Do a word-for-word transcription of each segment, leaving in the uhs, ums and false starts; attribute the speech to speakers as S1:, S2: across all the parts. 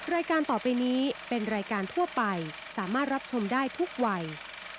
S1: รายการต่อไปนี้เป็นรายการทั่วไปสามารถรับชมได้ทุกวัย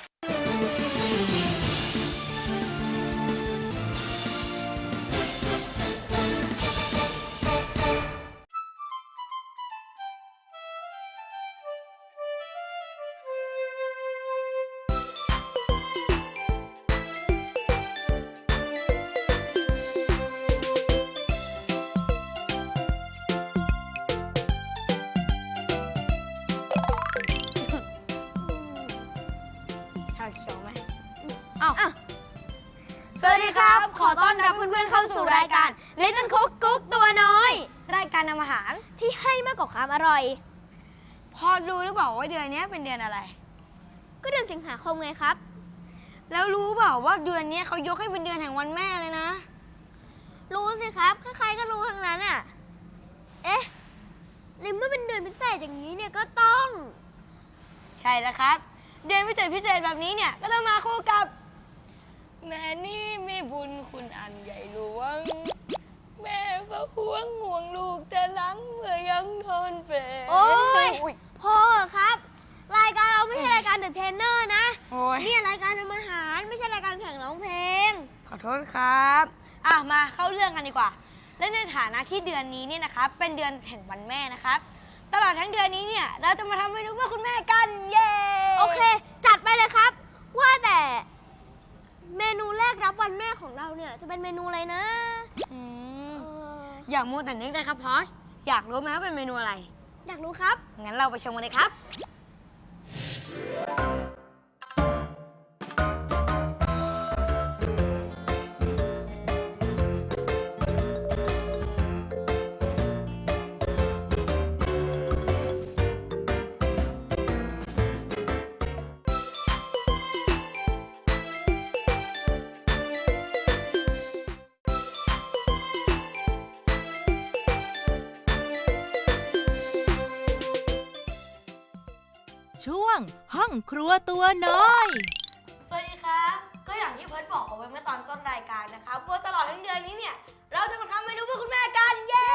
S2: เขียวไหมอ้าวสวัสดีครับ ขอต้อนรับเพื่อนๆเข้าสู่รายการ Little Cook กุ๊กตัวน้อย รายการทำอาหารที่ให้มากกว่าความอร่อย พอรู้หรือเปล่าว่าเดือนนี้เป็นเดือนอะไร ก็เดือนสิงหาคมไงครับ แล้วรู้เปล่าว่าเดือนนี้เขายกให้เป็นเดือนแห่งวันแม่เลยนะ รู้สิครับใครๆก็รู้ทั้งนั้นอ่ะเอ๊ะในเมื่อเป็นเดือนพิเศษอย่างนี้เนี่ยก็ต้องใช่แล้วครับเดือนพิเศษพิเศษแบบนี้เนี่ยก็ต้องมาคู่กับแม่นี่มีบุญคุณอันใหญ่หลวงแม่ก็ห่วงห่วงลูกแต่หลังเมื่อยังนอนเปรโอ้ยพอครับรายการเราไม่ใช่รายการเดอะเทรนเนอร์นะนี่รายการทำอาหารไม่ใช่รายการแข่งร้องเพลงขอโทษครับอ่ะมาเข้าเรื่องกันดีกว่าและในฐานะที่เดือนนี้เนี่ยนะครับเป็นเดือนแห่งวันแม่นะครับตลอดทั้งเดือนนี้เนี่ยเราจะมาทำเมนูเพื่อคุณแม่กันเย้โอเคจัดไปเลยครับว่าแต่เมนูแรกรับวันแม่ของเราเนี่ยจะเป็นเมนูอะไรนะอืมอย่ามัวแต่นึกเลยครับพอชอยากรู้ไหมว่าเป็นเมนูอะไรอยากรู้ครับงั้นเราไปชมกันเลยครับ
S3: ช่วงห้องครัวตัวน้อย
S2: สวัสดีครับก็อย่างที่เพิร์ทบอกเอาไว้เมื่อตอนต้นรายการนะครับว่าตลอดทั้งเดือนนี้เนี่ยเราจะมาทำเมนูเพื่อคุณแม่กันเย้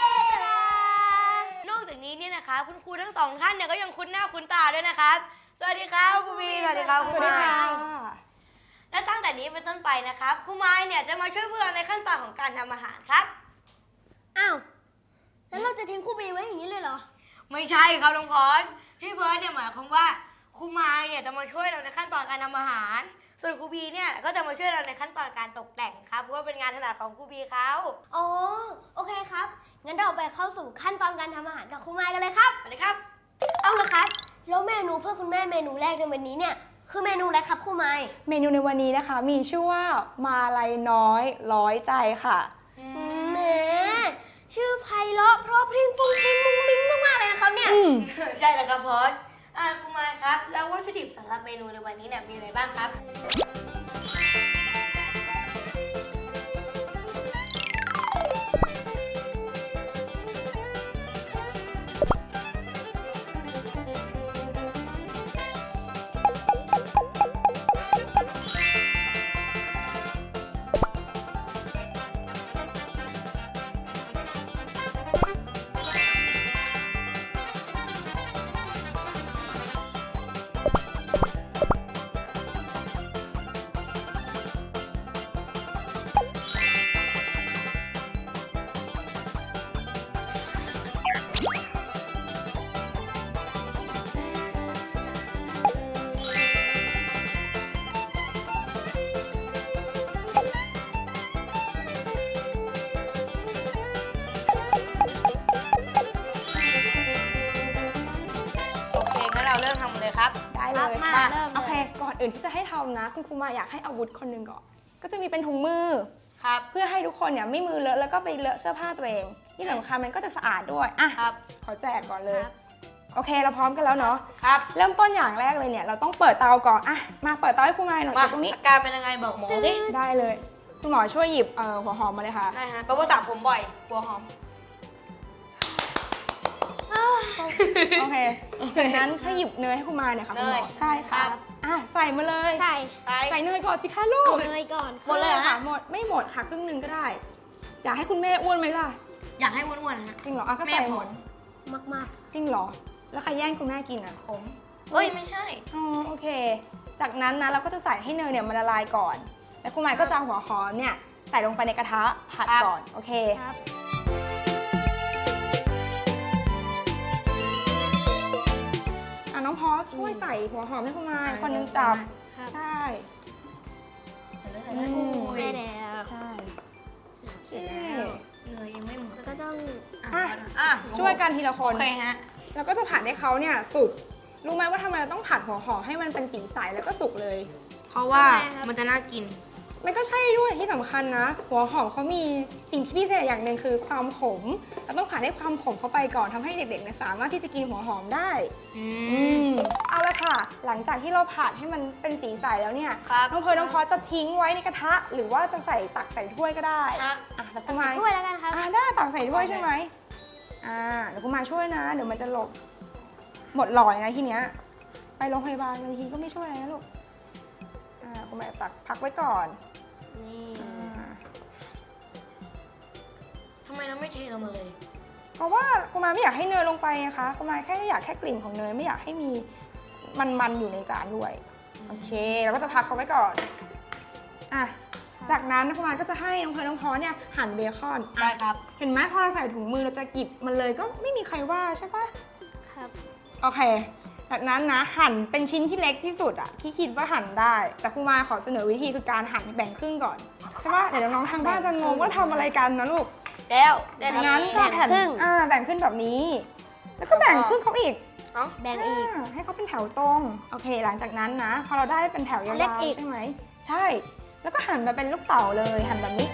S2: นอกจากนี้เนี่ยนะคะคุณครูทั้งสองท่านเนี่ยก็ยังคุ้นหน้าคุ้นตาด้วยนะครับสวัสดีครับครูบีสวัสดีครับครูไม้และตั้งแต่นี้เป็นต้นไปนะครับครูไม้เนี่ยจะมาช่วยพวกเราในขั้นตอนของการทำอาหารครับอ้าวแล้วเราจะทิ้งครูบีไว้อย่างนี้เลยเหรอไม่ใช่ครับน้องพอชพี่เพิร์ทเนี่ยหมายความว่าครูไม้เนี่ยจะมาช่วยเราในขั้นตอนการทำอาหารส่วนครูบีเนี่ยก็จะมาช่วยเราในขั้นตอนการตกแต่งครับเพราะว่าเป็นงานถนัดของครูบีเขาอ๋อโอเคครับงั้นเราไปเข้าสู่ขั้นตอนการทำอาหารกับครูไม้กันเลยครับไปเลยครับเอาละครับแล้วเมนูเพื่อคุณแม่เมนูแรกในวันนี้เนี่ยคือเมนูอะไรครับครูไม้
S4: เมนูในวันนี้นะคะมีชื่อว่ามาลัยน้อยร้อยใจค่ะ
S2: แหมชื่อไพเราะเพราะพริ้งฟุ้งฟิ้งมุ้งมิ้งมากๆเลยนะครับเนี่ยใช่แล้วครับพอสอ่าคุณมาครับแล้ววัตถุดิบสำหรับเมนูในวันนี้เนี่ยมีอะไรบ้างครับเริ่มทำเลยครับ
S4: ได้เลย
S2: มา
S4: ค่ะ
S2: เริ่มเลย
S4: โอเคก่อนอื่นที่จะให้ทำนะคุณครูมาอยากให้อาวุธคนหนึ่งก่อนก็จะมีเป็นถุงมือ
S2: ครับ
S4: เพื่อให้ทุกคนเนี่ยไม่มือเลอะแล้วก็ไปเลอะเสื้อผ้าตัวเองที่สำคัญมันก็จะสะอาดด้วยอ่ะ
S2: ครับ
S4: ขอแจกก่อนเลยโอเคเราพร้อมกันแล้วเนาะ
S2: ครับ
S4: เริ่มต้นอย่างแรกเลยเนี่ยเราต้องเปิดเตาก่อนอ่ะมาเปิดเตาให้ครูมาหน่อยตรงนี้
S2: อาการเป็นยังไงบอกหมอสิ
S4: ได้เลยคุณหมอช่วยหยิบเอ่อหัวหอมมาเลยค่ะ
S2: ได้ฮะเพราะว่าสระผมบ่อยหัวหอม
S4: โอเคจากนั้นช่วยหยิบเนยให้คุณมาหน่อยค่ะคุณหมอใช่ค่ะอ่ะใส่มาเลย
S2: ใส่
S4: ใส่เนยก่อนสิคะลูก
S2: เนยก่อน
S4: หมดเลยเหรอคะหมดไม่หมดค่ะครึ่งหนึงก็ได้อยากให้คุณแม่อ้วนไหมล่ะ
S2: อยากให้อ้วนๆนะ
S4: จริงเหรออ่ะก็ใส่หมด
S2: มาก
S4: จริงเหรอ แล้วใครแย่งคุณแม่กินอ่ะ
S2: ๆ ผม เอ้ย ไม่ใช่
S4: อ๋อโอเค จากนั้นนะเราก็จะใส่ให้เนยเนี่ยมันละลายก่อน แล้วคุณหมายก็จะเอาหัวหอมเนี่ยใส่ลงไปในกระทะผัด
S2: ครับ
S4: ก่อน โอเค
S2: ครับ
S4: อ่ะน้องพอสช่วยใส่หัวหอมให้คุณหมาย
S2: อ่ะ
S4: คนหนึงจับ
S2: ครับ
S4: ใช่
S2: ใส่เลยใส่เลย
S4: อืม
S2: ได้แล้ว
S4: ใช่
S2: เสร็จแล้วเนยยังไม่หมดแล้วก็ต้อง
S4: อ่ะ
S2: อ่ะ
S4: ช่วยกันทีละค
S2: โอน เคฮะ
S4: แล้วก็จะผัดให้เขาเนี่ยสุก รู้ไหมว่าทำไมเราต้องผัดหัวหอมให้มันเป็นสีใสแล้วก็สุกเลย
S2: เพราะว่ามันจะน่ากิน
S4: มันก็ใช่ด้วยที่สำคัญนะ หัวหอมเขามีสิ่งที่พิเศษอย่างหนึ่งคือความขมเราต้องผ่านให้ความขมเข้าไปก่อนทำให้เด็กๆเนี่ยสามารถที่จะกินหัวหอมได้
S2: อื
S4: อื
S2: ม
S4: มเอาละค่ะ หลังจากที่เราผัดให้มันเป็นสีใสแล้วเนี่ย
S2: ครับ
S4: น้องเพร์ลน้องพอสจะทิ้งไว้ในกระทะ หรือว่าจะใส่ตักใส่ถ้วยก็ได้
S2: ฮะ
S4: อ่ะแล้ว
S2: ตั
S4: กุ
S2: ก
S4: มา
S2: ใส่ถ้วยแล้วกันครับ
S4: อ่ะได้ตักใส่ถ้วยใช่ไหมอ่าเดี๋ยวกุมาช่วยนะ เดี๋ยวมันจะหลบหมดหลอดไงทีเนี้ยไปโรงพยาบาลบางทีก็ไม่ช่วยอะไรนะลูกอ่ากุมาตักพักไว้ก่อน
S2: นี่
S4: อ่า
S2: ทำไมเราไม่เทลงมาเลย
S4: เพราะว่ากุมารไม่อยากให้เนยลงไปนะคะกุมารแค่อยากแค่กลิ่นของเนยไม่อยากให้มีมันๆอยู่ในจานด้วยโอเคเราก็จะพักเขาไว้ก่อนอ่ะจากนั้นกุมารก็จะให้น้องเพร์ลน้องพอสเนี่ยหั่นเบคอน
S2: ได้ครับ
S4: เห็นไหมพอเราใส่ถุงมือเราจะหยิบมันเลยก็ไม่มีใครว่าใช่ปะ
S2: ครับ
S4: โอเค จากนั้นนะหั่นเป็นชิ้นที่เล็กที่สุดอะที่คิดว่าหั่นได้ แต่กุมารขอเสนอวิธีคือการหั่นแบ่งครึ่งก่อนใช่ปะเดี๋ยวน้องๆทางบ้านจะงงว่าทำอะไรกันนะลูก
S2: แล้วได้
S4: จาก
S2: แล้
S4: นั้
S2: วน
S4: ก็แผ่น
S2: ครึ่ง
S4: อ่าแบ่งขึ้นแบบนี้ แล้วก็แบ่งขึ้นเขาอีก
S2: เอ้าแบ่งอีก
S4: าให้เขาเป็นแถวตรง โอเค หลังจากนั้นนะ พอเราได้เป็นแถวยา
S2: เล็ก
S4: ว
S2: อีก
S4: ๆใช่ไหม ใช่ แล้วก็หั่นมาเป็นลูกเต๋าเลย หั่นแบบนี้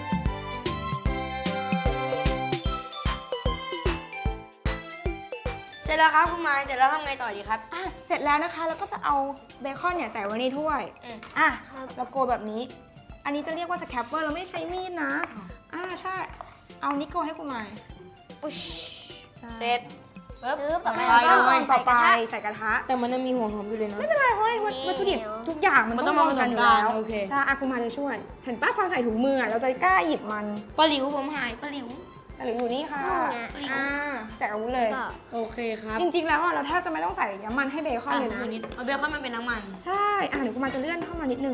S2: เสร็จแล้วครับคุณไม้เสร็จแล้วทำไงต่อดีครับ
S4: อ่ะ เสร็จแล้วนะคะ แล้วก็จะเอาเบคอนเนี่ยใส่ไว้ในถ้วย
S2: อืม
S4: อ่ะเราโกยแบบนี้ อันนี้จะเรียกว่าสแครปเปอร์เราไม่ใช้มีดนะ อ่าใช่ เอานิโกให้คุณหมาย
S2: อุ๊ย
S4: ใช่
S2: เสร็จปึ๊บ
S4: ต่
S2: ต่
S4: อ
S2: อ
S4: ไป
S2: ไป
S4: เรา
S2: เล
S4: ก็
S2: ย
S4: ต่อไปใส่กระทะ
S2: แต่มันยังมีหัวหอมอยู่เลยนะ
S4: ไม่เป็นไรเพราะว่าวัตถุดิบทุกอย่างมัน
S2: มันต้
S4: ต้อ
S2: อง ง
S4: รวมกันอยู่
S2: มาผสมกัน
S4: แล้ว
S2: โอเค
S4: ใช่อากุมารจะช่วย เห็นป้าพอใส่ถุงมืออะเราจะกล้าหยิบมัน
S2: ปลาหลิวผมหายปลาหลิว
S4: หรืออยู่นี่ค่ะ
S2: นี่ไง
S4: อ่าแจกอาวุธเลย
S2: โอเคครับ
S4: จริงๆแล้วอะเราแทบจะไม่ต้องใส่น้ำมันให้เบคอนเลยนะ
S2: อ่ะนิดเอาเบคอนมันเป็นน้ำมัน
S4: ใช่อ่ะเดี๋ยวกุมารจะเลื่อนเข้ามานิดนึง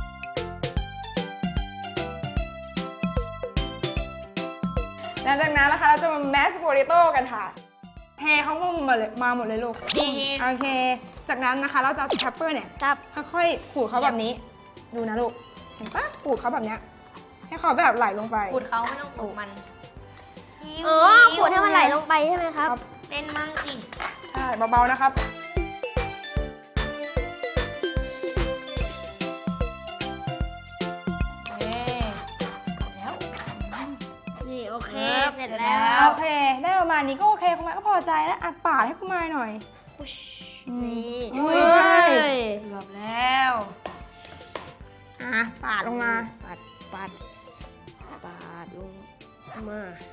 S4: หลังจากนั้นนะคะเราจะมาแมสโปเตโต้กันค่ะเทเขามาเลยมาหมดเลยลูก
S2: นี่
S4: โอเค จากนั้นนะคะเราจะเอาสแครปเปอร์เนี่ย
S2: ครับ
S4: ค่อยๆขูดเขาแบบนี้ ดูนะลูก เห็นปะขูดเขาแบบเนี้ยให้เขาแบบไหลลงไป
S2: ขูดเขาไม่ต้องขูดมัน
S5: อ๋อขวดให้มันไหลลงไปใช่ไหมครับ
S2: เต้นมั่งสิ
S4: ใช่เบาๆนะครับ
S2: เอ๊ะแล้ว
S5: นี่โอเค
S2: ครับ
S5: เสร็จ
S2: เสร็จ
S5: แล้
S2: แล้ว ว
S4: โอเค ได้ประมาณนี้ก็โอเคคุณมายก็พอใจแล้วอัดปาดให้คุณมายหน่อยอืม
S5: นี่
S4: อุ้ย
S2: เกือบแล้ว
S4: อ่ะปาดลงมา
S5: ปัดปัดปาดลงมา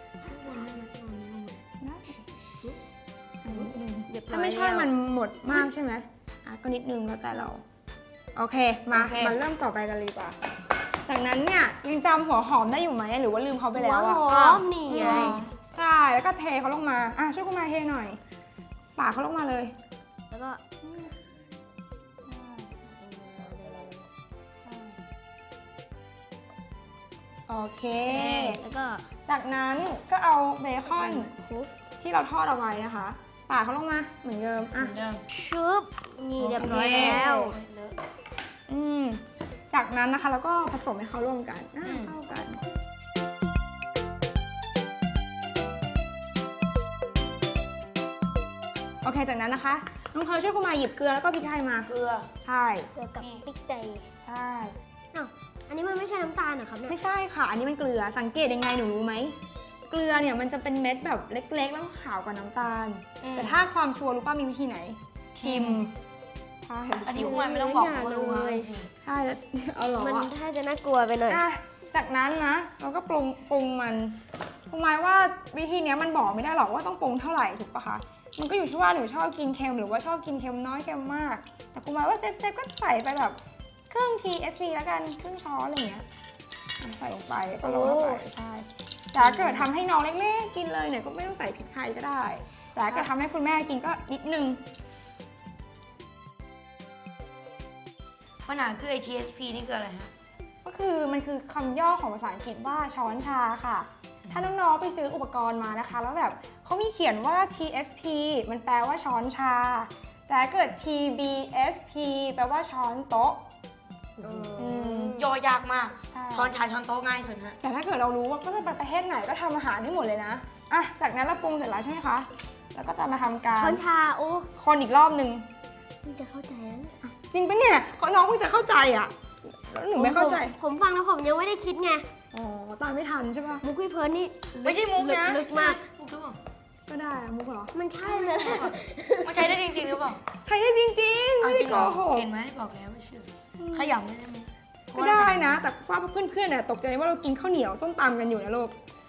S5: เรียบร้อย
S4: ถ้าไม่ใช่
S5: แล้ว
S4: มันหมดมากใช่ไหมอ่ะก็นิดนึงแล้วแต่เรา โอเค มา
S2: โอเค
S4: มาเริ่มต่อไปกันเลยดีกว่า จากนั้นเนี่ยยังจำหัวหอมได้อยู่ไหมหรือว่าลืมเขาไป
S5: หั
S4: แล้ว ว
S5: ห
S4: อะ
S5: อมนี่ไง
S4: ใช่ แล้วก็เทเขาลงมา อ่ะช่วยคุณมายเทหน่อย ปาดเขาลงมาเลย
S5: แล้วก็
S4: โอเค
S5: แล้วก็
S4: จากนั้นก็เอาเบคอน
S5: คลุก
S4: ที่เราทอดเอาไว้นะคะ ปาดเขาลงมาเหมือนเดิม
S2: เห
S4: อ่ะ
S2: มือนเดิม
S5: ชุบนี่เรียบร้อยแล้ว
S2: เลอะ
S4: อืม จากนั้นนะคะแล้วก็ผสมให้เขาร่วมกันอ่ะ
S2: อืม
S4: เข้ากัน โอเค จากนั้นนะคะ น้องเพร์ลช่วยคุณมายหยิบเกลือแล้วก็พริกไทยมา
S2: เกลือ
S4: ใช่
S5: เกลือกับพริกไทย
S4: ใช่
S5: อ้าวอันนี้มันไม่ใช่น้ำตาลเหรอครับเนี่ย
S4: ไม่ใช่ค่ะ อันนี้มันเกลือ สังเกตยังไงหนูรู้ไหม เกลือเนี่ยมันจะเป็นเม็ดแบบเล็กๆ แล้วก็ขาวกว่าน้ำตาล
S2: อืม
S4: แต่ถ้าความชัวร์รู้ป่ะมีวิธีไหน ชิม ใช่
S2: อันนี้คุณมันไม่ต้องบอกเขารู้ว่าจริง
S4: ใช่แล้ว เอาเหรอ
S5: มัน
S4: วะ
S5: ถ้าจะน่ากลัวไปหน่อย
S4: อ่ะจากนั้นนะเราก็ปรุงปรุงมันคุณหมายว่าวิธีเนี้ยมันบอกไม่ได้หรอกว่าต้องปรุงเท่าไหร่ถูกปะคะ มันก็อยู่ที่ว่าหนูชอบกินเค็มหรือว่าชอบกินเค็มน้อยเค็มมาก แต่คุณหมายว่าเซฟเซฟก็ใส่ไปแบบครึ่ง ที เอส พี แล้วกันครึ่งช้อนอะไรเงี้ยใส่ลงไปก็โรยเข้าไปใช่แต่ถ้าเกิดทำให้น้องเล็กๆกินเลยเนี่ยก็ไม่ต้องใส่พริกไทยก็ได้แต่ก็ทำให้คุณแม่กินก็นิดนึง
S5: ปัญหาคือไอ ที เอส พี นี่คืออะไรฮะ
S4: ก็คือมันคือคำย่อของภาษาอังกฤษว่าช้อนชาค่ะ ถ้าน้องๆไปซื้ออุปกรณ์มานะคะ แล้วแบบเขามีเขียนว่า ที เอส พี มันแปลว่าช้อนชา แต่ถ้าเกิด ที บี เอฟ พี แปลว่าช้อนโต๊ะ อืม
S5: ย่อยากมาก
S4: ใช่
S5: ช้อนชาช้อนโต๊ะง่ายสุดฮะ
S4: แต่ถ้าเกิดเรารู้ว่าก็จะไปประเทศไหนก็ทำอาหารได้หมดเลยนะ อ่ะ จากนั้นเราปรุงเสร็จแล้วใช่ไหมคะ แล้วก็จะมาทำการ
S2: ช้อนชาโอ้
S4: คนอีกรอบนึง
S2: มันจะเข้าใจแล้วเนี่ย
S4: จริงปะเนี่ยก็น้องเพิ่งจะเข้าใจอ่ะ แล้วหนูไม่เข้าใจ
S2: ผมผมฟังแล้วผมยังไม่ได้คิดไง
S4: อ๋อ ตามไม่ทันใช่ปะ
S2: มุกพี่เพิร์นนี่
S5: ไม่ใช่มุกนะ
S2: ลึกมาก
S5: มุกหรือเปล่า
S4: ก็ได้อะมุกเหรอ
S2: มันใช่เลย
S5: มันใช้ได้จริงๆหรือเปล่า
S4: ใช้ได้จริงๆ
S5: เอา
S4: ไม่
S5: จ
S4: ได้
S5: ริง
S4: โก
S5: เหรอ
S4: หก
S5: เห็นไหมบอกแล้วไม่เชื่อขยำไม่ได้ไหม
S4: ก็ได้นะ แต่ว่าเพื่อนๆเนี่ยตกใจว่าเรากินข้าวเหนียวส้มตำกันอยู่นะลูก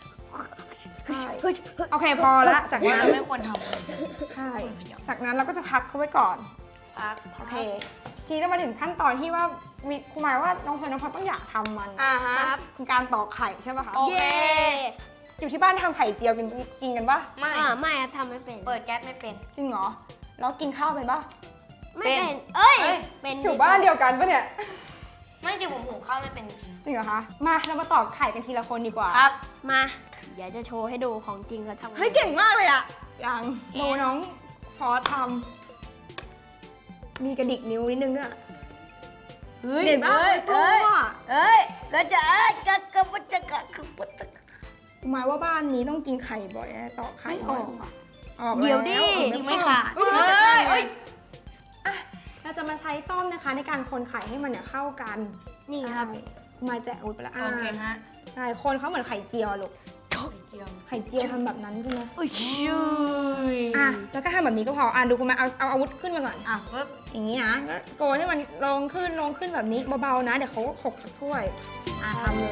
S4: โอเคพอละจาก
S5: ว่า
S4: นั้น
S5: ไม่ควรทำเลย
S4: ใช่จากนั้นเราก็จะพักเขาไว้ก่อน
S5: พัก
S4: โอเค ทีนี้จะมาถึงขั้นตอนที่ว่าวิครูหมายว่าน้องเพลิร์นน้องพลอยต้องอยากทำมัน
S5: อ่าฮะ
S4: คือการตอกไข่ใช่ป่ะคะ
S5: โอเค
S4: อยู่ที่บ้านทำไข่เจียวกินกินกันปะ
S5: ไม่
S2: อ่าไม่ครับทำไม่เป็น
S5: เปิดแก๊สไม่เป็น
S4: จริงเหรอแล้วกินข้าวเป็นปะ
S2: ไม่
S5: เป็น
S2: เป็น เอ้ย
S5: เอ้ย
S2: เป็น
S4: อยู่บ้านเดียวกันปะเนี่ย
S5: ไม่จริงผมหุงข้าวไม่เป็นจริง
S4: จริงเหรอคะมาเรามาตอกไข่กันทีละคนดีกว่า
S5: ๆครับ
S2: มา เดี๋ยวจะโชว์ให้ดูของจริงเขาทำไง
S4: เฮ้ยเก่งมากเลยอะอย่างโมน้องพอทำมีกระดิกนิ้วนิดนึงด้วย
S5: เฮ้ย
S4: เห็นปะ
S5: เอ้ย
S4: โปร
S5: เอ้ย
S4: อะ
S5: เอ้ยก็จะเอ้ยก็ก็มันจะก็คือปจะ
S4: หมายว่าบ้านนี้ต้องกินไข่บ่อยนะตอกไข่
S5: ไม่อ
S4: บ่อย
S5: อกอะ
S4: ออก
S2: เดี๋ยวดิ
S4: แล้ว
S5: จริงไม่ขาด
S4: เอ้ย
S5: เอ้ยเอ้ย
S4: อ่ะเราจะมาใช้ซ่อมนะคะในการคนไข่ให้มันเนี่ยเข้ากัน
S2: นี่ครับ
S4: ใช่มาแจกอาวุธไปแล้ว
S5: โอเคฮะ
S4: ใช่คนเขาเหมือนไข่เจียวอะลูก
S5: ไข่เจียว
S4: ไข่เจียวทำแบบนั้นใช่ไหม
S2: อุ้ยชื่อ
S4: อ่ะแล้วก็ทำแบบนี้ก็พออ่ะดูคุณมาเอาเอาอาวุธขึ้นมาก่อน
S5: อ่ะปึ๊บ
S4: อย่างนี้นะก็โกยให้มันลงขึ้นลงขึ้นแบบนี้เบาๆนะเดี๋ยวเขาหกจากถ้วยอ่ะทำเลย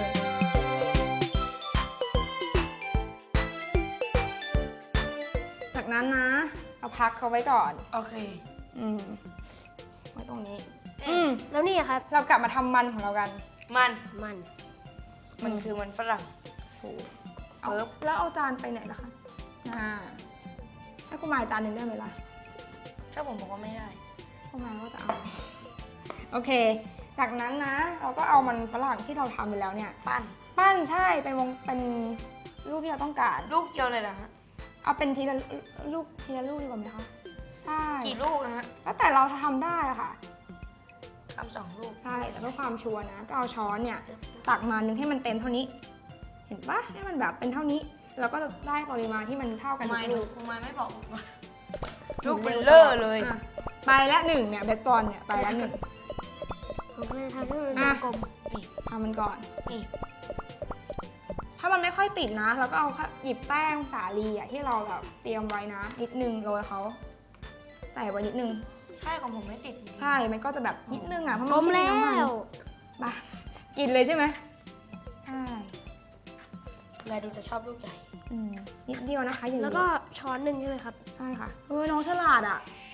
S4: จากนั้นนะเอาพักเขาไว้ก่อน
S5: โอเค
S4: อืมไว้ตรงนี้
S5: อื
S4: อื
S5: ม
S4: ม
S2: แล้วนี่ครับ
S4: เรากลับมาทำมันของเรากัน
S5: มัน
S2: มัน
S5: มันคือมันฝรั่ง
S4: ถูกเอา
S5: ปึ๊บ
S4: แล้วเอาจานไปไหนล่ะคะอ่าให้คุณมายจานหนึ่งได้ไหมล่ะ
S5: ถ้าผมบอกว่าไม่ได้
S4: คุณมายก็จะเอา โอเค จากนั้นนะ เราก็เอามันฝรั่งที่เราทำไปแล้วเนี่ย
S5: ปั้น
S4: ปั้นใช่เป็นวงเป็นรูปที่เราต้องการ
S5: ลูกเดียวเลยเหรอฮะ
S4: เอาเป็นทีละลูกทีละลูกดีกว่าไหมคะใช่
S5: กี่ลูกอะฮะ
S4: แล้วแต่เราจะทำได้อะค่ะ
S5: ทำสองลูก
S4: ใช่แต่เพื่อความชัวร์นะ ก็เอาช้อนเนี่ย ตักมานึงให้มันเต็มเท่านี้ เห็นปะให้มันแบบเป็นเท่านี้ แล้วก็จะได้ปริมาณที่มันเท่ากันทุ
S5: ไม่
S4: ก
S5: ดู
S4: ลูก
S5: คุณไม่ไม่บอกผมก่อนลูกเบลเลอร์เลย
S4: อ่ะไปละหนึ่งเนี่ยเบสบอลเนี่ยไปละหนึ่ง
S2: ผมก็เลยทำให้มัน
S4: อ่ะ
S2: กลม
S5: นี่
S4: ทำมันก่อน
S5: นี่
S4: ถ้ามันไม่ค่อยติดนะ แล้วก็เอาแค่หยิบแป้งสาลีอะที่เราแบบเตรียมไว้นะ นิดนึงโรยเขาใส่ไว้นิดนึง
S5: ใช่ของผมไม่ติดจริงๆ
S4: ใช่ มันก็จะแบบนิดนึงอ่ะเพราะ
S2: กล
S4: มัน
S2: ม
S4: ไม่
S2: แล้
S4: ใช่น้ำมัน
S2: ว
S4: มากินเลยใช่ไหมใช่
S5: แลดูจะชอบลูกใหญ่
S4: อืมนิดเดียวนะคะอย่าง
S2: แล้ว
S4: เดี
S2: ก็
S4: ยว
S2: ช้อนหนึ่งใช่ไหมครับ
S4: ใช่ค่ะเออน้องฉลาดอ่ะ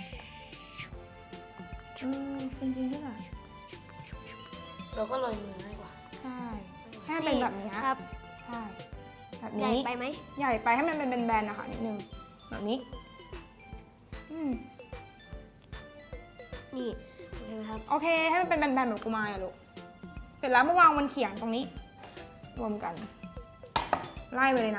S4: อืมจริงๆด้วยอ่ะ
S5: เราก็โรยมือง่ายกว่า
S4: ใช่ให้มันเป็นแบบเนี้ย
S2: ครับ
S4: ใช่ แบบ
S2: ใหญ่
S4: นี้
S2: ไปไหม
S4: ใหญ่ไปให้มันเป็นแบนๆนะคะนิดนึงแบบนี้อืม
S2: นี่โอเคไหมครับ
S4: โอเคให้มันเป็นแบนๆแบบกุมารอะลูกเสร็จแล้วมาวางบนเขียงตรงนี้ รวมกัน ไล่ไปเลยนะ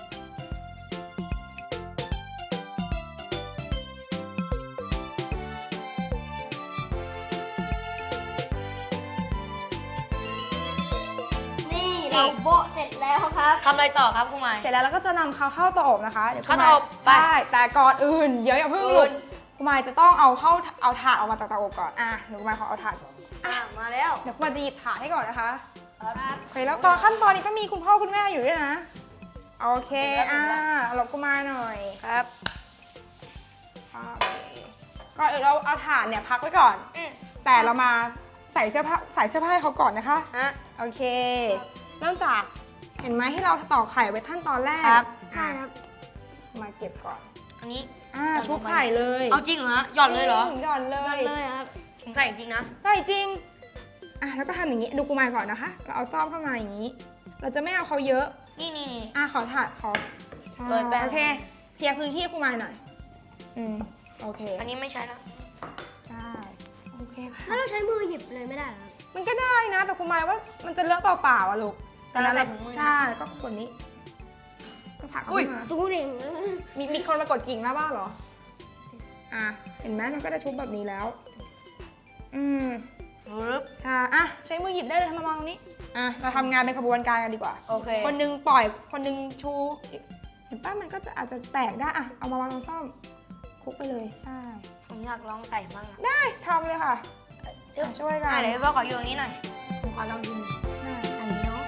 S2: นี่เราโบะเสร็จแล้วครับ
S5: ทำอะไรต่อครับคุณไม้
S4: เสร็จแล้วเราก็จะนำเขาเข้าเตาอบนะคะเดี๋ยว
S5: เข้าเตาอบ
S4: คุณมใช่แต่ก่อนอื่นเดี๋ยวอย่าเพิ่ง
S5: อื่
S4: ลุก
S5: น
S4: คุณมายจะต้องเอาเข้าเอาถาดออกมาจากเตาอบก่อนอ่ะเดี๋ยวคุณมายขอเอาถาด
S5: อ่ะมาแล้ว
S4: เดี๋ยวคุณมายจะหยิบถาดให้ก่อนนะคะ
S5: ครับ
S4: โอเคแล้วตอนขั้นตอนนี้ก็มีคุณพ่อคุณแม่อยู่ด้วยนะโอเคอ่าหลบคุณมายหน่อย
S5: ครับ
S4: โอเคก่อนอื่นเราเอาถาดเนี่ยพักไว้ก่อน
S5: อืม
S4: แต่เรามาใส่เสื้อผ้าใส่เสื้อผ้าให้เขาก่อนนะคะ
S5: ฮะ
S4: โอเค เริ่มจากเห็นไหมที่เราตอกไข่ไว้ขั้นตอนแรก
S5: ครับ
S2: ใช่ครับ
S4: มาเก็บก่อน
S5: อันนี้
S4: อ่า
S5: หย่อนลงไป
S4: ชุบไข่เลย
S5: เอาจริงเหรอฮะ หย่อนเลยเหรอ
S4: หย่อนเล
S2: ก่อน
S4: ย
S2: เลยครับ
S5: ผมใส่จริงนะ
S4: ใช่จริงอ่ะแล้วก็ทำอย่างนี้ดูกูมายก่อนนะคะ เราเอาซ่อมเข้ามาอย่างนี้ เราจะไม่เอาเขาเยอะ
S5: นี่นี่นี่
S4: อ่ะขอถาดขอใช่
S5: โรยแป้ง
S4: โอเคลียร์พื้นที่ให้ครูมายหน่อย อืม โอเค
S2: อันนี้ไม่ใช่แล้ว
S4: ใช่ โอเคค่ะ
S2: แล้วเราใช้มือหยิบเลยไม่ได้เหรอ
S4: มันก็ได้นะ แต่ครูมายว่ามันจะเลอะเปล่าๆอ่ะลูก
S2: แต่เราใส่ถุงมือนะ
S4: ใช่แล้วก็กดนี้ก็ผลักเข้ามา
S2: ตู้เอง
S4: มีมีคนมากดกิ่งแล้วบ้างเหรอ อ่ะ เห็นไหมมันก็จะชุบแบบนี้แล้ว อืม
S2: ปึ๊บ
S4: ใช่อ่ะ ใช้มือหยิบได้เลยทำมามองตรงนี้ อ่ะ เราทำงานเป็นขบวนการกันดีกว่า
S2: โอเค
S4: คนหนึงปล่อย คนหนึงชู เห็นป้ะมันก็จะอาจจะแตกได้ อ่ะ เอามาวางตรงซ่อมคลุกไปเลย ใช่
S2: ผมอยากลองใส่บ้างอะ
S4: ได้ทำเลยค่ะอ่ะช่วยกัน
S2: อ่ะเดี๋ยวพี่พ่อขออยู่ตรงนี้หน่อย ผมขอลองทีหนึง
S4: ได้
S2: อันนี้เนาะ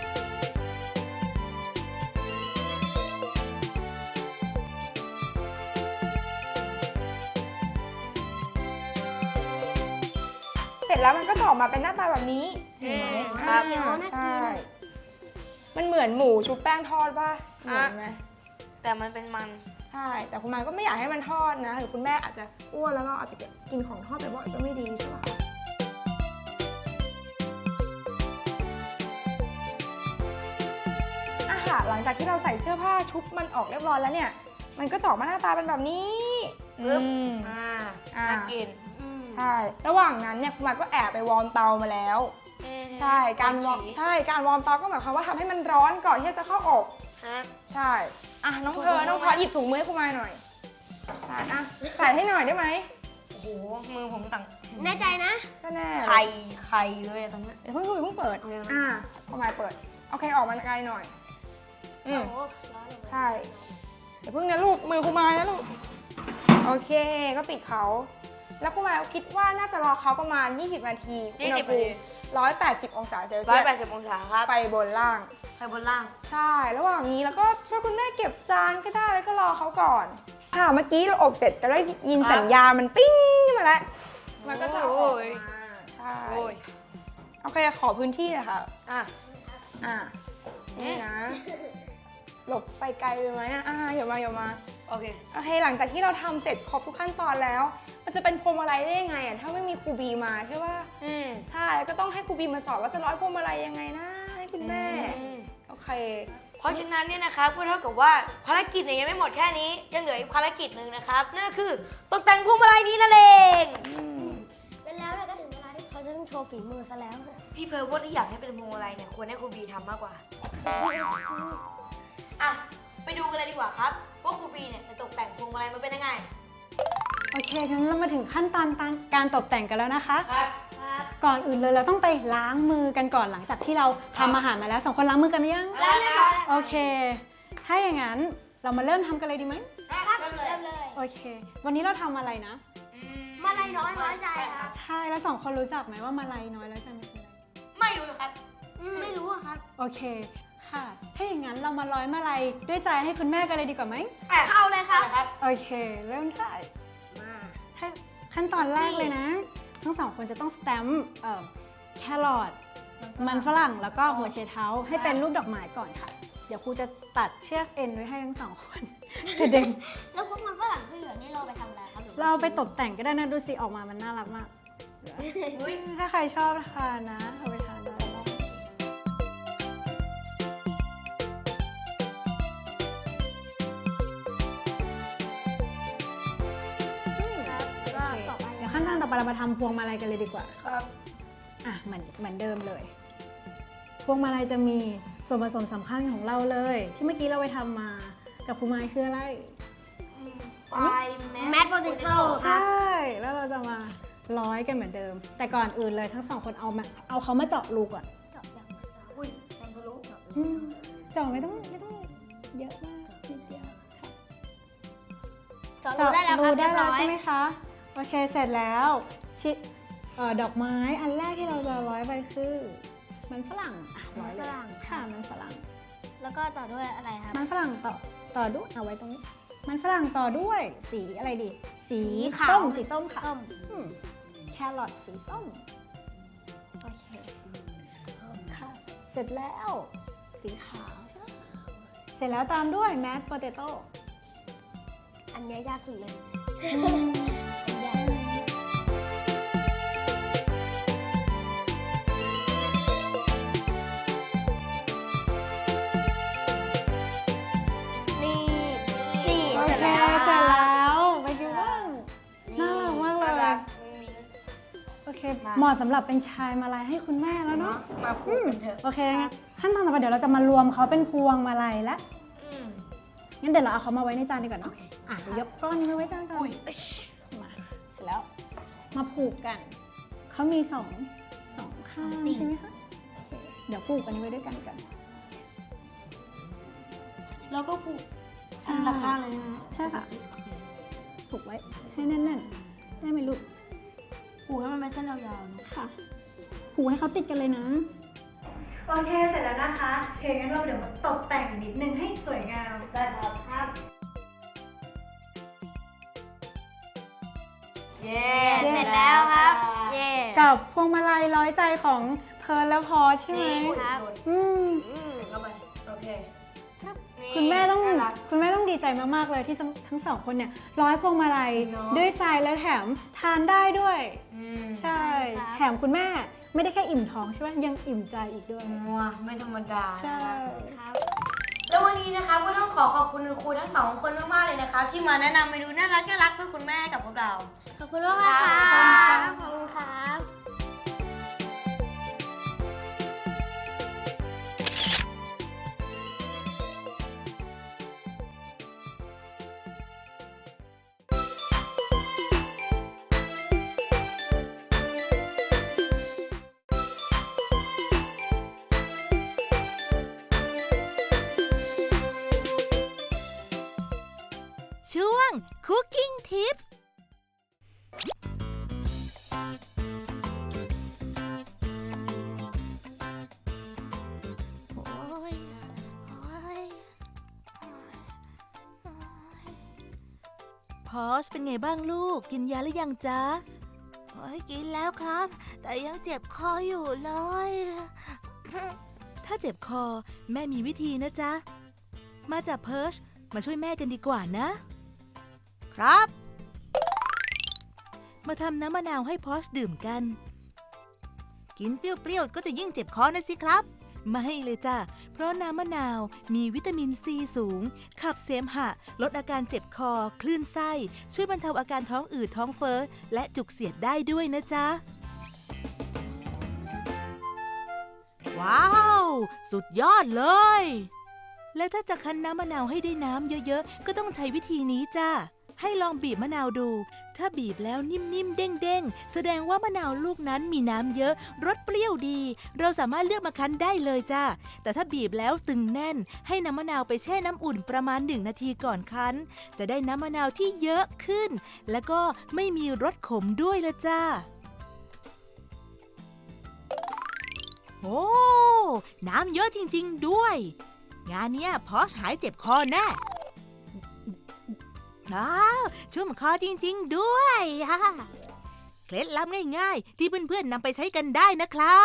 S4: เสร็จแล้วมันก็จะออกมาเป็นหน้าตาแบบนี้ เห็นไหม
S2: อืม
S4: อ่า
S2: ครับ
S4: ใช่ มันเหมือนหมูชุบแป้งทอดป่ะเหมือนไหม
S2: แต่มันเป็นมัน
S4: ใช่ แต่คุณมายก็ไม่อยากให้มันทอดนะ หรือคุณแม่อาจจะอ้วนแล้วเราอาจจะกินของทอดบ่อยๆก็ไม่ดีใช่ไหมคะอาหารหลังจากที่เราใส่เสื้อผ้าชุบมันออกเรียบร้อยแล้วเนี่ย มันก็จะออกมาหน้าตาเป็นแบบนี้
S2: ปึ๊บ
S4: อืม
S2: อ่า
S4: อ่า
S2: น่ากิน
S4: ใช่ ระหว่างนั้นเนี่ยคุณมายก็แอบไปวอร์มเตามาแล้ว ใช่ การวอร์มใช่ การวอร์มเตาก็หมายความว่าทำให้มันร้อนก่อนที่จะเข้าอบ
S2: ฮะ
S4: ใช่ อ่ะน้อง
S2: ถุง
S4: เธอ
S2: มือ
S4: น้องพอหยิบถุงมือให้คุณมายหน่อยใช่อ่ะใส่ให้หน่อยได้ไหม
S2: โอ้โห มือผมต่างแน่ใจนะ
S4: ก็แน่
S2: ไข่ไข่เลยอะตอนเนี้ย
S4: เดี๋ยวเพิ่งดูเพิ่งเปิด
S2: เอายังไง
S4: อ่ะคุณมายเปิด โอเคออกมาไกลหน่อย อืม ใช่ เดี๋ยวเพิ่งนะลูก มือคุณมายนะลูก โอเค ก็ปิดเขา แล้วคุณมายคิดว่าน่าจะรอเขาประมาณ ยี่สิบ นาที
S2: ยี่สิบ
S4: อุณหภูมิหนึ่งร้อยแปดสิบ องศาเซล
S2: ร้
S4: เซี
S2: อย
S4: ย
S2: แปด
S4: ส
S2: สิบองศาครับ
S4: ไฟบนล่าง
S2: ไข่บนล่าง
S4: ใช่ ระหว่างนี้แล้วก็ช่วยคุณแม่เก็บจานก็ได้แล้วก็รอเขาก่อน ค่ะ เมื่อกี้เราอบเสร็จก็ได้ยิน
S2: ครับ
S4: สัญญาณมันปิ้งขึ้นมาแล้ว มันก็จะออก
S2: โอ้ย
S4: มาใช่
S2: โอ้ย
S4: โอเค ขอพื้นที่เลยค่ะ
S2: อ่ะ
S4: อ่ะ นี่นะ หลบไปไกลไปไหมอ่ะอ่ะอย่ามาอย่ามา
S2: โอเค
S4: โอเค หลังจากที่เราทำเสร็จครบทุกขั้นตอนแล้ว มันจะเป็นพวงมาลัยได้ยังไงอ่ะ ถ้าไม่มีครูบีมาใช่ป่ะ
S2: อืม
S4: ใช่ แล้วก็ต้องให้ครูบีมาสอนว่าจะร้อยพวงมาลัยยังไงนะให้คุณแม่
S2: อืม
S4: โอเค
S2: เพราะฉะนั้นเนี่ยนะครับก็เท่ากับว่าภารกิจเนี่ยยังไม่หมดแค่นี้ ยังเหลืออีกภารกิจหนึ่งนะครับ นั่นก็คือตกแต่งพวงมาลัยนี้นั่นเอง
S6: แล้วเราก็ถึงเวลาที่เขาจะต้องโชว์ฝีมือซะแล้ว
S2: พี่เพร์ลว่าที่อยากให้เป็นพวงมาลัยเนี่ยควรให้ครูบีทำมากกว่า อ่ะ ไปดูกันเลยดีกว่าครับ ว่าครูบีเนี่ยจะตกแต่งพวงมาลัยมันเป็นยังไง
S7: โอเค งั้นเรามาถึงขั้นตอนการตกแต่งกันแล้วนะคะ
S2: ครับ
S7: ก่อนอื่นเลยเราต้องไปล้างมือกันก่อนหลังจากที่เราทำอาหารมาแล้วสองคนล้างมือกันหรือยัง
S2: แล้วนะครับ
S7: โอเค ถ้าอย่างนั้นเรามาเริ่มทำกันเลยดีไหม
S2: ครับเริ่มเลย
S6: เริ่มเลย
S7: โอเค วันนี้เราทำอะไรนะ
S6: มาลัยน้อยน้อยใจครับ
S7: ใช่ แล้วสองคนรู้จักไหมว่ามาลัยน้อยแล้วใจมันคืออะไร
S2: ไม่รู้เลยครับ
S6: ไม่รู้อะครับ
S7: โอเค ค่ะ ถ้าอย่างนั้นเรามาร้อยมาลัยด้วยใจให้คุณแม่กันเลยดีกว่าไหม
S2: เข้าเลยครับ
S7: โอเค เริ่มได้มาถ้าขั้นตอนแรกเลยนะ ทั้งสองคนจะต้องสแตมป์เอ่อแครอทมันฝรั่งแล้วก็หัวเชเท้าให้เป็นรูปดอกไม้ก่อนค่ะ เดี๋ยวครูจะตัดเชือกเอ็นไว้ให้ทั้งสองคนกระเด็น
S6: แล้วพวกมันฝรั่งที่เหลือนี่เราไปทำอะไรครับหอว่
S7: เราไปตกแต่งก็ได้นะ ดูสิออกมามันน่ารักมาก ถ้าใครชอบทานนะเอาไปทานได้
S6: ต่อไป
S7: เดี๋ยวขั้นตอนต่อไปเรามาทำพวงมาลัยกันเลยดีกว่า
S2: ครับ
S7: อ่ะเหมือนเหมือนเดิมเลย พวงมาลัยจะมีส่วนผสมสำคัญของเราเลย ที่เมื่อกี้เราไปทำมากับคุณไม้คืออะไร
S2: ไฟ
S6: แมทโปเตโต้
S7: ใช่ แล้วเราจะมาร้อยกันเหมือนเดิม แต่ก่อนอื่นเลยทั้งสองคนเอามาเอาเขามาเจาะรูก่อน
S2: อุ้ยทำทะลุ
S7: อืมเจาะไม่ต้องไม่ต้องเยอะมากนิดเดียวค่ะ
S6: จอดรู้ได้แล้วครับ
S7: รูได้
S6: เรียบ
S7: แล้
S6: ร้
S7: ว
S6: อย
S7: ใช่ไหมคะโอเคเสร็จแล้วชิเอ่อดอกไม้อันแรกที่เราจะร้อยไปคือ มันฝรั่งอ่ะร้อยเลยค่ะมันฝรั่ง
S6: แล้วก็ต่อด้วยอะไรครับ
S7: มันฝรั่งต่อต่อด้วยเอาไว้ตรงนี้ มันฝรั่งต่อด้วยสีอะไรดี สี
S6: สีขาว
S7: ส้มสีส้มค่ะ
S6: ส้ม
S7: อืมแครอทสีส้มโอเคค่ะเสร็จแล้วสีขาวเสร็จแล้วตามด้วยแมสโปเตโต้
S6: อันเนี้ยยากสุดเลย
S2: นี่ นี่
S7: โอ
S2: เสร็จ
S7: เค
S2: แล้ว
S7: เหมาะสำหรับเป็นชายมาลัยให้คุณแม่แล้วเนาะ
S2: มาพูดกันเถอะ
S7: โอเคงั้นขั้นตอนต่อไปเดี๋ยวเราจะมารวมเขาเป็นพวงมาลัยแล้ว
S2: อืม
S7: งั้นเดี๋ยวเราเอาเขามาไว้ในจานดีกว่าเนาะอ่ะเดี๋ยวยกก้อนนี้มาไว้จานก่อน
S2: อุ้ย
S7: มาเสร็จแล้วมาผูกกัน เขามีสองสองข้างใช่ไหมคะโอเคเดี๋ยวผูกอันนี้ไว้ด้วยกันกัน
S2: แล้วก็ผูกสันตะข้างเลยนะ
S7: ใช่ค่ะผูกไว้ให้แน่นๆได้ไหมลูก
S2: ผูกให้มันเป็นเส้นยาวๆเนอะ
S7: ค่ะผูกให้เขาติดกันเลยนะโอเคเสร็จแล้วนะคะโอเคงั้นเราเดี๋ยวมาตกแต่งนิดนึงให้สวยงามได้ครับครับ
S2: เย้ เสร็จแล้วครับ เย้
S7: กับพวงมาลัยร้อยใจของเพิร์ลและพอใช่ไหม
S2: ครับ
S7: อืม
S2: เข้าไป โอเค
S7: คุณแม่ต้อง
S2: น่ารัก
S7: คุณแม่ต้องดีใจมากๆเลยที่ทั้งทั้งสองคนเนี่ยร้อยพวงมาลัย
S2: เนอะ
S7: ด้วยใจและแถมทานได้ด้วย
S2: อืม
S7: ใช่ แถมคุณแม่ไม่ได้แค่อิ่มท้องใช่ไหมยังอิ่มใจอีกด้วย
S2: มัวไม่ธรรมดา
S7: ใช่
S2: แล้ววันนี้นะคะก็ต้องขอขอบคุณคุณครูทั้งสองคนมากๆเลยนะคะ ที่มาแนะนำเมนูน่ารักน่ารักเพื่อคุณแม่ให้กับพวกเรา
S6: ขอบคุณมากๆค่ะขอบคุณครับ
S3: ช่วง Cooking Tips โอ้ยโอ้ยพอชเป็นไงบ้างลูก กินยาหรือยังจ๊ะโอ้ยกินแล้วครับ แต่ยังเจ็บคออยู่เลย ถ้าเจ็บคอแม่มีวิธีนะจ๊ะ มาจากเพิร์ชมาช่วยแม่กันดีกว่านะ ครับ มาทำน้ำมะนาวให้พอชดื่มกัน กินเปรี้ยวๆก็จะยิ่งเจ็บคอนะสิครับ ไม่เลยจ้ะ เพราะน้ำมะนาวมีวิตามินซีสูง ขับเสมหะ ลดอาการเจ็บคอ คลื่นไส้ ช่วยบรรเทาอาการท้องอืดท้องเฟ้อ และจุกเสียดได้ด้วยนะจ๊ะ ว้าว สุดยอดเลย และถ้าจะคั้นน้ำมะนาวให้ได้น้ำเยอะๆ ก็ต้องใช้วิธีนี้จ้า ให้ลองบีบมะนาวดู ถ้าบีบแล้วนิ่มๆ เด้งๆ แสดงว่ามะนาวลูกนั้นมีน้ำเยอะ รสเปรี้ยวดี เราสามารถเลือกมาคั้นได้เลยจ้า แต่ถ้าบีบแล้วตึงแน่น ให้น้ำมะนาวไปแช่น้ำอุ่นประมาณหนึ่งนาทีก่อนคั้น จะได้น้ำมะนาวที่เยอะขึ้น และก็ไม่มีรสขมด้วยละจ้า โอ้ น้ำเยอะจริงๆด้วย งานเนี้ยพอชหายเจ็บคอแน่อ้าวชุ่มคอจริงๆด้วยฮ่าเคล็ดลับง่ายๆ ที่เพื่อนๆนำไปใช้กันได้นะครับ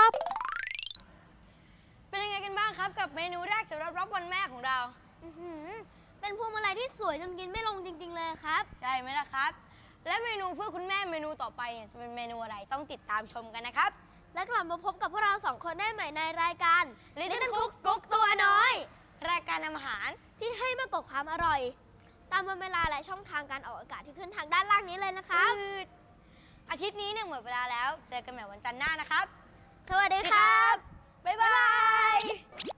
S2: เป็นยังไงกันบ้างครับกับเมนูแรกสำหรับรับวันแม่ของเรา
S6: อื้อหือเป็นพวงมาลัยที่สวยจนกินไม่ลงจริง ๆ เลยครับ
S2: ได้ไหมล่ะครับ และเมนูเพื่อคุณแม่เมนูต่อไปเนี่ยจะเป็นเมนูอะไรต้องติดตามชมกันนะครับ
S6: และกลับมาพบกับพวกเราสองคนได้ใหม่ในรายการ
S2: Little Cook กุ๊กตัวน้อย รายการทำอาหาร
S6: ที่ให้มากกว่าความอร่อย ตามวันเวลาและช่องทางการออกอากาศที่ขึ้นทางด้านล่างนี้เลยนะครับ
S2: อืดอาทิตย์นี้เนี่ยหมดเวลาแล้ว เจอกันใหม่วันจันทร์หน้านะครับ
S6: สวัสดีครับ
S2: บ๊ายบาย